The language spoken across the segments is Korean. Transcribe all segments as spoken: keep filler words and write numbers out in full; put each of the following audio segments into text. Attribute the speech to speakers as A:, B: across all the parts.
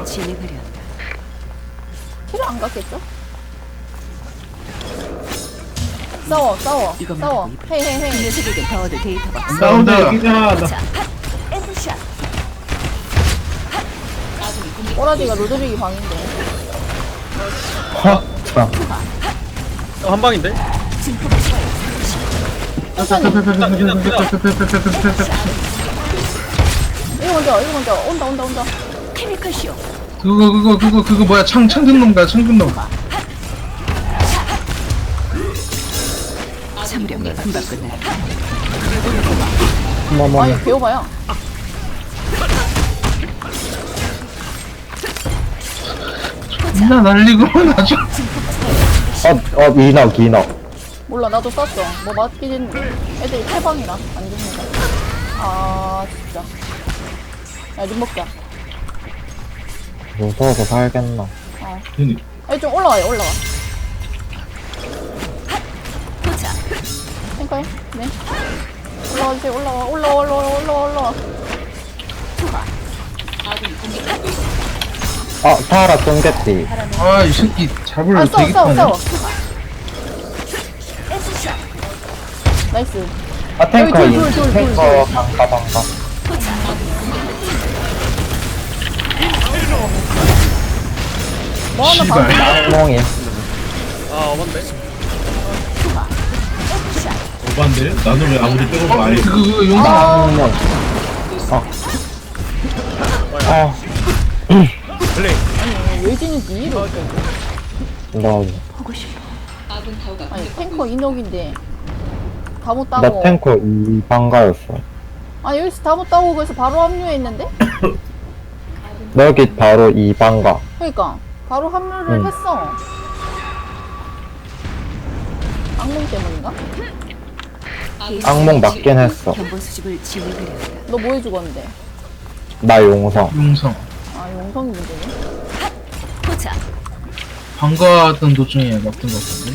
A: 진행하려 한다.
B: 필요 안 갔겠죠? 싸워 싸워
A: 이거
B: 싸워
A: 말고
B: 헤이 헤이
A: 이
B: 헤이
A: 녀석에게 더 얻을 데이터가 없어.
C: 싸운다 여기잖아. 나-
A: 자, 엔드샷.
B: 꼬라지가 로드빅이 방인데
D: 하! 참.
E: 어, 한 방인데?
B: 이거 먼저 이거 먼저 온다 온다 온다
A: 케미컬 쇼.
C: 그거 그거 그거 그거 뭐야 창 창근 놈가 창근 놈.
A: 참으려면 금방 끝나.
D: 어머머.
B: 아니 배워봐요
C: 나 날리고 나죠.
D: 어, 어, 이너, 기너.
B: 몰라 나도 썼어 뭐 맞긴 했는데 애들이 태방이라 안 죽는다 아 진짜 야눈 먹자
D: 무서워서 살겠나.
B: 어
C: 괜히
B: 아니 좀 올라와요 올라와
A: 도착.
B: 탱커해 네 올라와 주세요 올라와 올라와 올라와 올라와 올라와
A: 투하.
D: 어, 타라 쫑개띠.
C: 아 이 새끼 잡을
B: 아 싸워
C: 되게
B: 싸워
C: 타네.
B: 싸워
A: 엔드샷.
B: 나이스
D: 아, 탱커,
B: 여기
D: 인,
B: 둘, 둘, 둘,
D: 탱커,
B: 둘.
D: 방가, 방가.
B: 뭐 하나
C: 씨발.
B: 방
D: 쌍몽이.
E: 아, 어반데?
C: 오반데? 나는 왜 아무리 빼고 말이 그거 그거 용사.
D: 쌍몽. 어. 어,
E: 플레이.
B: 아니 외진이 니로
D: 너,
A: 보고 싶어.
B: 아니 탱커 인옥인데 다 못
D: 나
B: 따고
D: 탱커 이 방가였어.
B: 아니 여기서 다 못 따고 그래서 바로 합류했는데
D: 여기 바로 이 방가.
B: 그러니까 바로 합류를
D: 응.
B: 했어 악몽 때문인가?
D: 악몽 맞긴 했어.
A: 견본 수집을 진행하려 한다.
B: 너 뭐 해 죽었는데?
D: 나 용성.
C: 용성.
B: 아 용성이 문제네
A: 도착.
C: 방가하던 도중에 막던 것 같은데.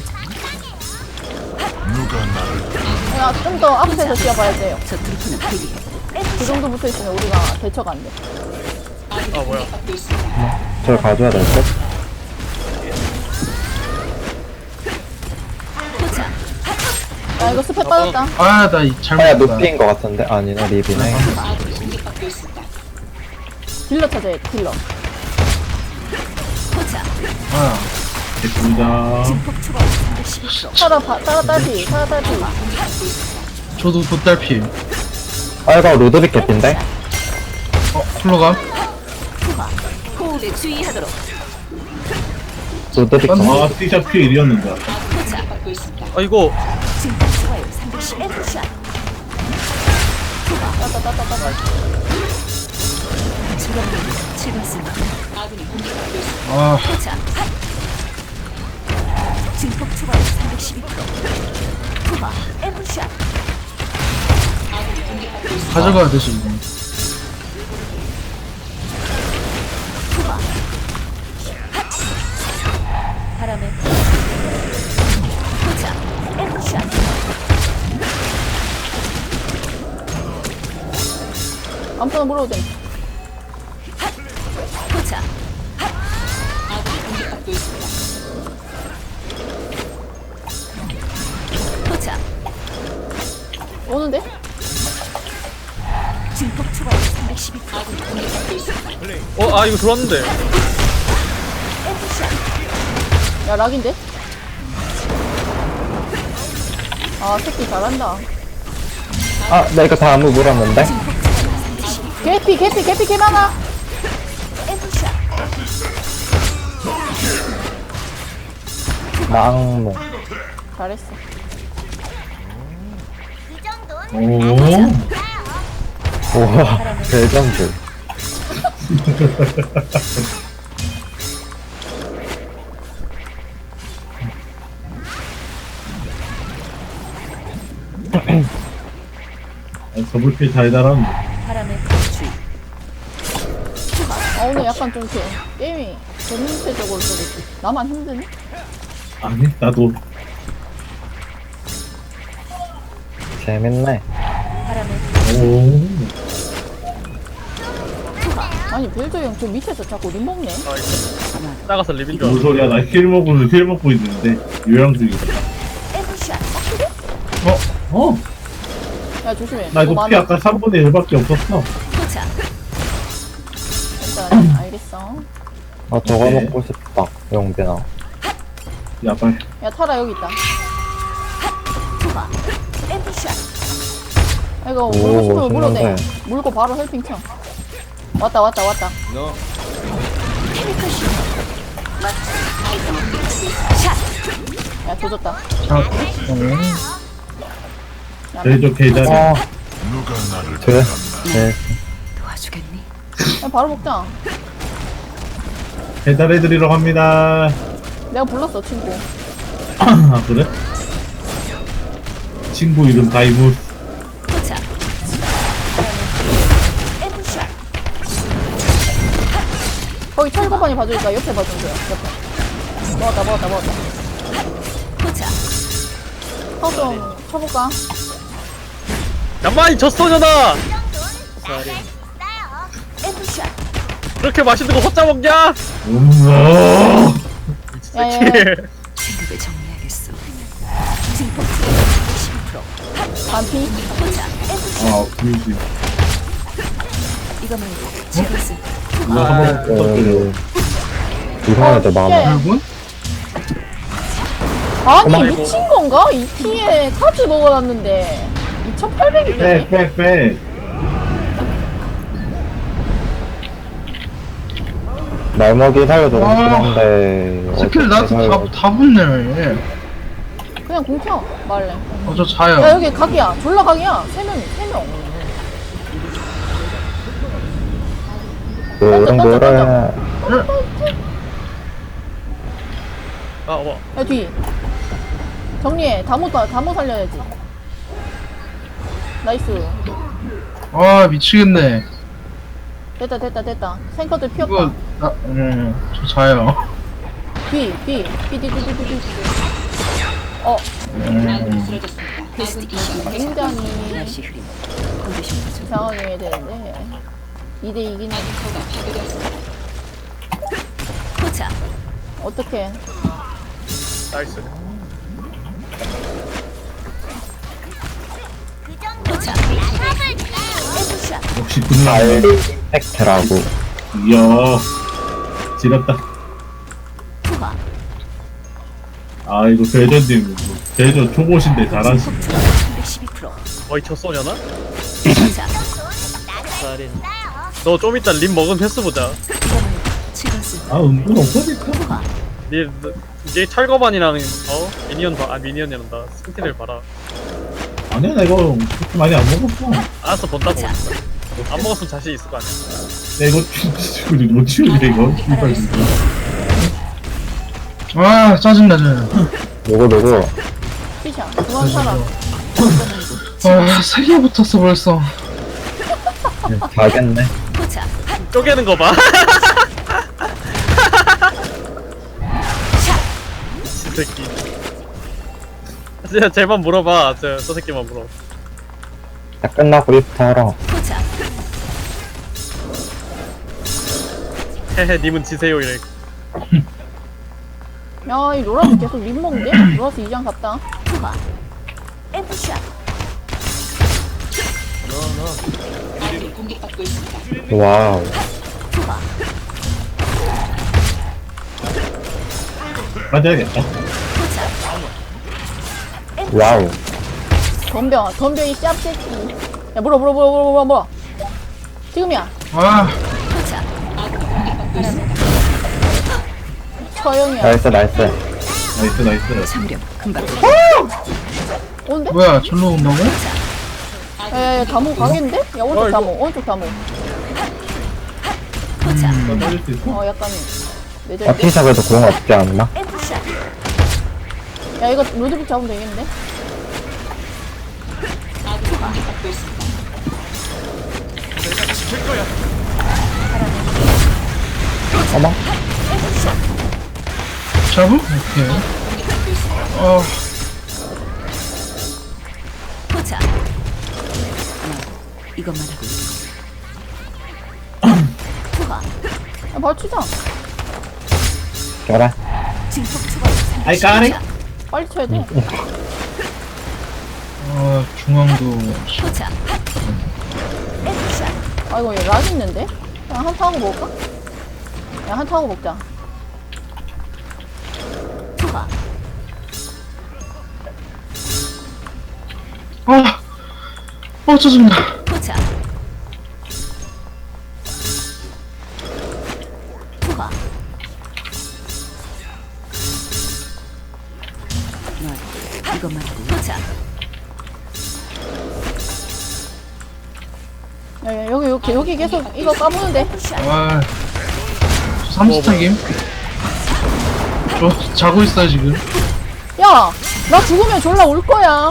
B: 야 좀 더 앞에서 뛰어봐야 돼요
A: 저 트루프는 대기해.
B: 그 정도 붙어있으면 우리가 대처가 안돼
E: 아, 뭐야.
D: 저를 가져야 될 듯?
A: 도착.
B: 야 이거 스펙 빠졌다
C: 아나 잘못.
D: 아야, 노피인 것 같은데? 아니네, 리비네.
B: 딜러 찾아야 돼 딜러
A: 도착.
C: 아 됐습니다.
A: 폭 추가 삼백십이 초.
B: 따라 바, 따라 딸피 따라 딸피
C: 저도 돗달피.
D: 아, 이거 루드빅 개핀데?
C: 어 쿨러가.
A: 투하. 호흡에 주의하도록.
D: 루드빅.
C: 아 C샵 피 일이었는데.
A: 도착.
E: 아, 이거.
A: 증폭 추가율 삼백십. 엔드샷.
B: 따따따따따
A: 주변 즐겁습니다.
C: 아
A: 도착. 증폭 추가율 삼백십이 초. 투하. 엔드샷.
C: 가져가야 되지 이거.
A: 투하. 바람에 도착. 엔드샷.
B: 아무거나 물어도 돼
A: 도착. 도착.
B: 오는데?
A: 증폭 추가율 삼백십이 초.
E: 어, 아, 이거 들어왔는데.
A: 엔드샷.
B: 야 락인데? 아 새끼 잘한다
D: 아, 나 이거 다 아무 물었는데?
B: 개피 개피 개피 개 많아
A: 엔드샷.
D: 나 악몽.
B: 잘했어
C: 오.
D: 우와, 대전주.
C: 더블피 달달한.
A: 바람에 주의.
B: 아 오늘 약간 좀 이렇게 게임이 전체적으로 좀 이렇게 나만 힘드네?
C: 아니 나도.
D: 재밌네.
A: 바람에
C: 오.
B: 아니 벨저 형 저 밑에서 자꾸 림 먹네.
E: 아 이거 작아서 립인 줄
C: 무슨
E: 알았어.
C: 소리야? 나 힐 먹고 힐 먹고 있는데 요양 중이다.
A: 에브샷.
C: 어? 어?
B: 야 조심해.
C: 나
B: 너무
C: 이거 피
B: 많아.
C: 아까 삼분의 일밖에 없었어.
A: 도착.
B: 일단 알겠어.
D: 아 저거
C: 네.
D: 먹고 싶다 영빈아.
C: 야 빨리.
B: 야 타라 여기 있다.
A: 투하. 에브샷.
B: 아, 이거
D: 오,
B: 물고 싶으면 물어도 돼.
D: 신난데.
B: 물고 바로 헬핑 쳐. 왔다 왔다 왔다.
A: 케미컬 슈. 샷.
B: 야 조졌다.
C: 제조 계좌를.
D: 아 그래? 네.
A: 도와주겠니?
B: 야 바로 먹자.
C: 배달해드리러 갑니다.
B: 내가 불렀어 친구.
C: 아 그래? 친구 이름 다이무스.
A: 도착. 에브샷.
B: 거기 철거반이 봐주니까 옆에 봐주세요. 옆에. 먹었다 먹었다 먹었다.
A: 도착.
B: 하우 좀 쳐볼까?
E: 야마이 젖소녀다.
A: 에브샷.
E: 그렇게 맛있는 거 혼자 먹냐?
C: 음어.
B: 야야야.
A: 생각을 정리하겠어. 증폭 십오 퍼센트.
B: 반피.
A: 도착. 에브샷.
C: 아 그지.
A: 이거 말고 즐거웠을 때.
C: 이거 한번
D: 어,
C: 부탁드려.
D: 이상한 애들 많아.
B: 예. 아니
E: 아이고.
B: 미친 건가? 이 피에 카드 먹어놨는데 이천팔백이네.
C: 빽빽빽.
D: 날먹이 살려주고
F: 와.
D: 싶은데
F: 스킬
D: 어떻게
F: 나한테
D: 살려-
F: 다, 다 붙네.
B: 그냥 공켜 말래.
F: 어, 저
B: 야
F: 자요.
B: 여기 각이야. 졸라 각이야. 세 명이 세 명.
D: 노랑 노래.
E: 아 뭐.
B: 야 뒤. 정리해. 다못 다못 살려야지. 나이스.
F: 아, 미치겠네.
B: 됐다 됐다 됐다. 생커들
F: 이거,
B: 피었다.
F: 나, 음, 저 자요.
B: 뒤 뒤. 뒤 뒤 뒤 뒤 뒤. 어
F: 음,
B: 굉장히
A: 다시 흐림. 컨디션 보조.
B: 이상하게 해야 되는데 이 대 이기는
A: 도착.
B: 어떻게?
E: 나이스.
A: 도착. 에브샷.
C: 역시 그는
D: 알 팩트라고.
C: 이야. 지렸다.
A: 투하.
C: 아 이거 대전님 대전 초보신데 잘하시.
A: 백십이 퍼센트.
E: 어이 젖소녀나?
A: 도착.
E: 너 좀 이따 립 먹은 횟수 보자.
A: 이거 말고 즐거웠을 때.
C: 아 은근 없어질까?
E: 니, 니 철거반이랑 어? 미니언 봐. 아 미니언이란다. 스킨을 봐라.
C: 아니야 나 이거 그렇게 많이 안 먹었어.
E: 알았어 본다고. 안 먹었으면 자신 있을 거 아니야.
C: 나 이거 치우지 못 치우지 이거. 씨발 진짜.
F: 아, 짜증나, 저.
D: 누구 누구?
B: 피샤 그만 살아.
F: 아, 세 개 붙었어, 벌써.
D: 가겠네.
A: 도착.
E: 쪼개는 거 봐. 이 새끼. 진짜 쟤만 물어봐. 저, 저 새끼만 물어.
D: 다 끝나고 입터라.
A: 도착.
E: 헤헤 님은 지세요 이래.
B: 야이 로라스 계속 립 먹는데? 로라스 이 장 갔다.
A: 투하. 에브샷.
D: 와우.
A: 투하.
C: 맞아야겠다.
A: 도착.
D: 와우.
B: 덤벼 덤벼 이 짭새끼. 야 물어 물어 물어 물어 물어 물어. 지금이야.
F: 아,
A: 도착.
B: 처형이야.
D: 나이스 나이스.
C: 나이스 나이스.
A: 참으렴. 금방.
B: 온대?
F: 뭐야, 절로 온다고?
B: 야야야 다모 가겠는데? 야 오른쪽 다모 오른쪽 다모.
A: 도착.
C: 나 빠질 수 있어?
B: 어 약간
D: 아
B: 내절.
D: 피샵에도 공 없지 않나?
A: 에브샷.
B: 야 이거 로드빅 잡으면 되겠는데?
D: 어머.
F: 잡음? 오케이. 어,
A: 도착. 이것만 하고 있어. 투하.
B: 야, 바로 치자.
D: 그래.
A: 증폭 초과.
C: 아이 까리?
B: 빨리 쳐야 돼.
F: 아 중앙도
A: 포자. 액션.
B: 아이고, 얘 락 있는데? 그냥 한타 하고 먹을까? 야, 한타 하고 먹자.
A: 투하.
F: 아, 어 짜증나.
A: 포자. 투하. 너 이것만 포자.
B: 야, 야, 여기, 여기, 여기 계속 이거 까부는데?
F: 아, 삼스택임? 저 자고 있어요 지금.
B: 야! 나 죽으면 졸라 울 거야.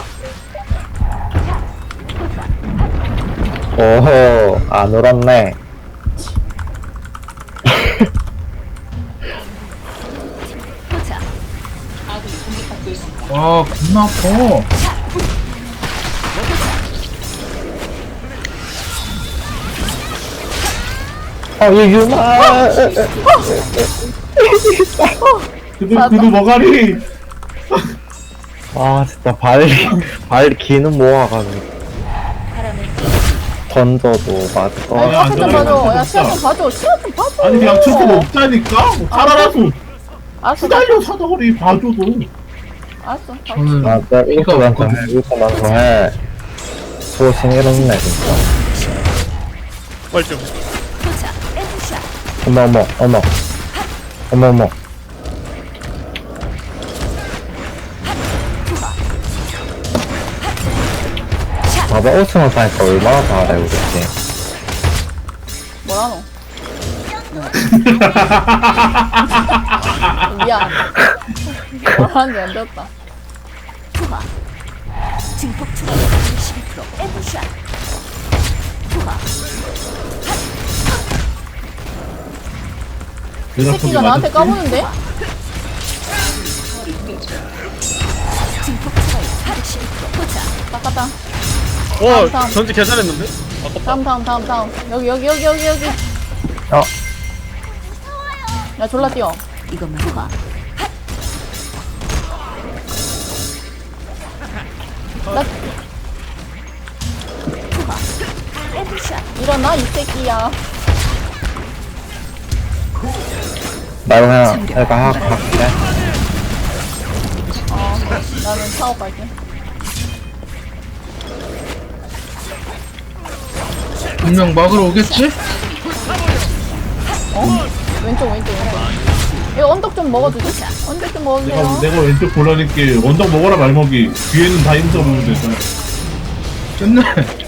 D: 오호, 안 울었네.
A: 포자.
F: 아 겁나 아파.
D: 어, 얘 유마.
C: 그도 그도 머가리.
D: 아, 진짜 발, 발 기는 모아가지고. 던져도 맞고.
C: 아니,
B: 야,
C: 안
B: 시야 좀
C: 들어가요.
B: 봐줘. 야,
C: 진짜.
B: 시야 좀 봐줘. 시야 좀 봐줘.
C: 아니 그냥 초코 먹자니까. 살아라서
B: 알았어,
C: 수달려 사다거리 봐줘도.
B: 알았어.
F: 저는
D: 맞아, 이거 먼저 해, 이거 먼저 해. 소신 이렇네, 진짜.
E: 뭘 좀.
A: 포자. 액션.
D: 어머, 어머, 어머. 어머, 어머. 봐봐, 오승원 사니까 얼마나 잘해, 우리 팀.
B: 뭐라노? 미안. 뭐라는지 안 들었다.
A: 투하. 증폭 초과. 십이 퍼센트. 액션. 투하.
B: 이 새끼가 나한테 까부는데?
A: 증폭 초과. 십이 퍼센트. 포자.
B: 닦았다.
E: 와
B: 다음.
E: 전지 개잘했는데? 아깝다.
B: 다음, 다음, 다음, 다음. 여기, 여기, 여기, 여기, 여기.
D: 어,
B: 야, 졸라 뛰어.
A: 이것만 투하.
B: 나
A: 투하. 액션.
B: 일어나, 이 새끼야.
D: 나 그냥, 내가 학, 할게.
B: 어, 나는 사업 갈게.
F: 분명 막으러 오겠지?
B: 어? 왼쪽, 왼쪽, 왼쪽. 이거 언덕 좀 먹어주지? 언덕 좀
C: 내가
B: 먹어주세요.
C: 내가 왼쪽 골라낼게. 언덕 먹어라 말먹이. 뒤에는 다 힘써 보면 되잖아.
F: 끝내.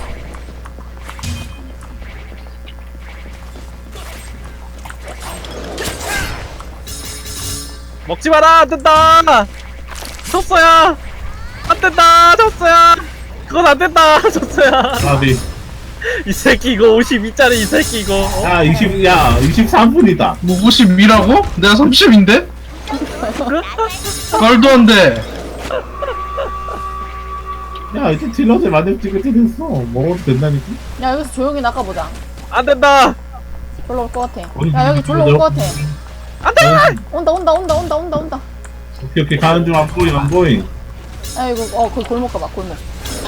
E: 먹지 마라 안 된다. 졌어야. 안 된다 졌어야. 그건 안 된다 졌어야.
C: 아비.
E: 이 새끼 이거 오십이 짜리 이 새끼 이거. 어?
C: 야 이십 야 이십삼 분이다.
F: 뭐 오십이라고? 내가 삼십인데? 말도 안 돼.
C: 야 이제 딜러들 만렙 찍을 때 됐어. 먹어도 된다니까.
B: 야, 여기서 조용히 나가보자.
E: 안 된다.
B: 졸라 올 것 같아.
C: 어디,
B: 야, 여기 졸라 올 것 같아.
C: 안돼.
B: 온다, 온다, 온다, 온다, 온다, 온다.
C: 오케이 오케이 가는 중 안 보잉 안 보잉.
B: 야, 이거, 어, 그 골목 가봐, 골목.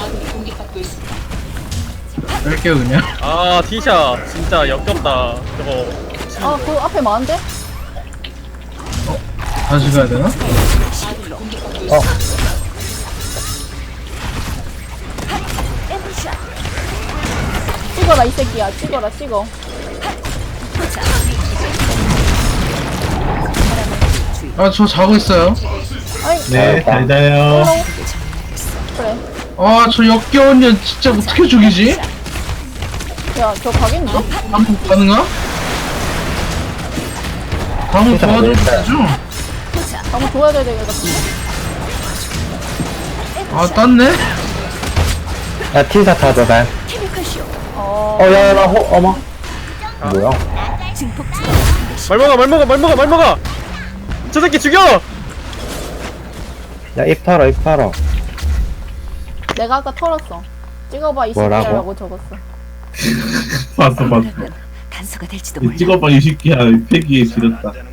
F: 뺄게요 그냥.
E: 아 티샤 진짜 역겹다. 저거.
B: 아, 그 앞에 많은데?
F: 다시 가야 되나?
D: 어,
A: 액션.
B: 찍어라, 이 새끼야. 찍어라, 찍어.
A: 포자.
F: 아 저 자고 있어요.
B: 아이,
C: 네 잘 자요.
B: 헬로. 그래.
F: 아 저 역겨운 년 진짜 어떻게 죽이지?
B: 야, 저 가겠는데?
F: 한번 가능하? 다음은
D: 진짜
F: 도와줄 수
D: 모르겠다.
F: 있죠?
A: 포자.
B: 한번 도와줘야 될 것 같은데?
F: 아 땄네?
D: 야, 티샷 타도 돼.
A: 케미컬 쇼.
B: 어,
D: 어, 야, 야, 나 호, 어머. 뭐야?
A: 증폭 초과.
E: 말먹어 말먹어 말먹어 말먹어. 저 새끼 죽여.
D: 야, 입 털어, 입 털어.
B: 내가 아까 털었어. 찍어봐, 이
D: 뭐라고?
B: 새끼야라고 적었어.
C: 봤어 봤어.
A: 단서가 될지도 몰라.
C: 찍어봐 이 새끼야. 패기에 지렸다.